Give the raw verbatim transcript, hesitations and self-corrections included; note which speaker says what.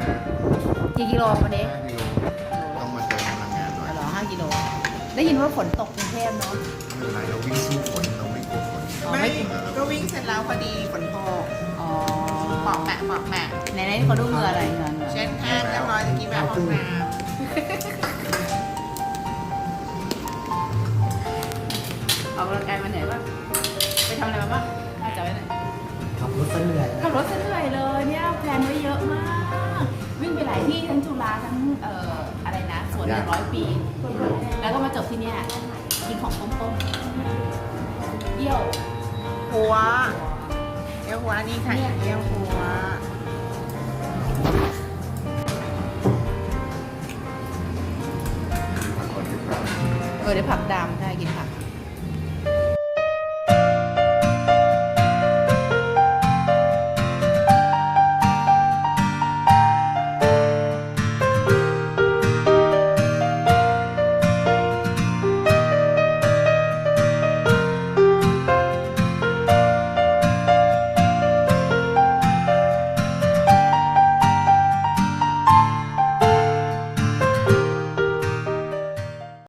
Speaker 1: กี่กิโลวันนี้
Speaker 2: ห้ากิโลต้องมาเติมพลังงานหน่อย
Speaker 1: เหรอห้ากิโลได้ยินว่าฝนตกกรุงเทพเนาะ
Speaker 2: ไม่เป็นไรเราวิ่งสู้ฝนเราไม่กลัวฝน
Speaker 1: อ๋อ
Speaker 3: ไม่
Speaker 1: ไม่
Speaker 3: ก็วิ่งเสร็จแล้วพอดีฝนตก
Speaker 1: อ๋อ
Speaker 3: หมอกแปะหมอกแปะ
Speaker 1: ไหนๆเขาดูเหงื่ออะไรเหงื่อเหงื่อ
Speaker 3: เช็ดแห้งเรียบร้อยตะกี้แบบห้องน้
Speaker 1: ออกกำลังกายมาไหนบ้างไปทำอะไรมาบ้างน่าจะไว้ไหน
Speaker 4: ขับรถซะเหนื่อย
Speaker 1: ขับรถเฉยๆเลยเนี่ยแพลนไว้เยอะมาก วิ่งไปหลายที่ทั้งจุฬาทั้งเอ่ออะไรนะสวนหนึ่งร้อยปี แล้วก็มาจบที่เนี่ยกินของต้มๆเยี่ยว
Speaker 3: ำหัวเยี่ยวหัวนี่ค่ะเยี่ยวหัว
Speaker 2: พักผ่อนดีกว่า
Speaker 1: เออเดี๋ยวผักดำใช่กินผัก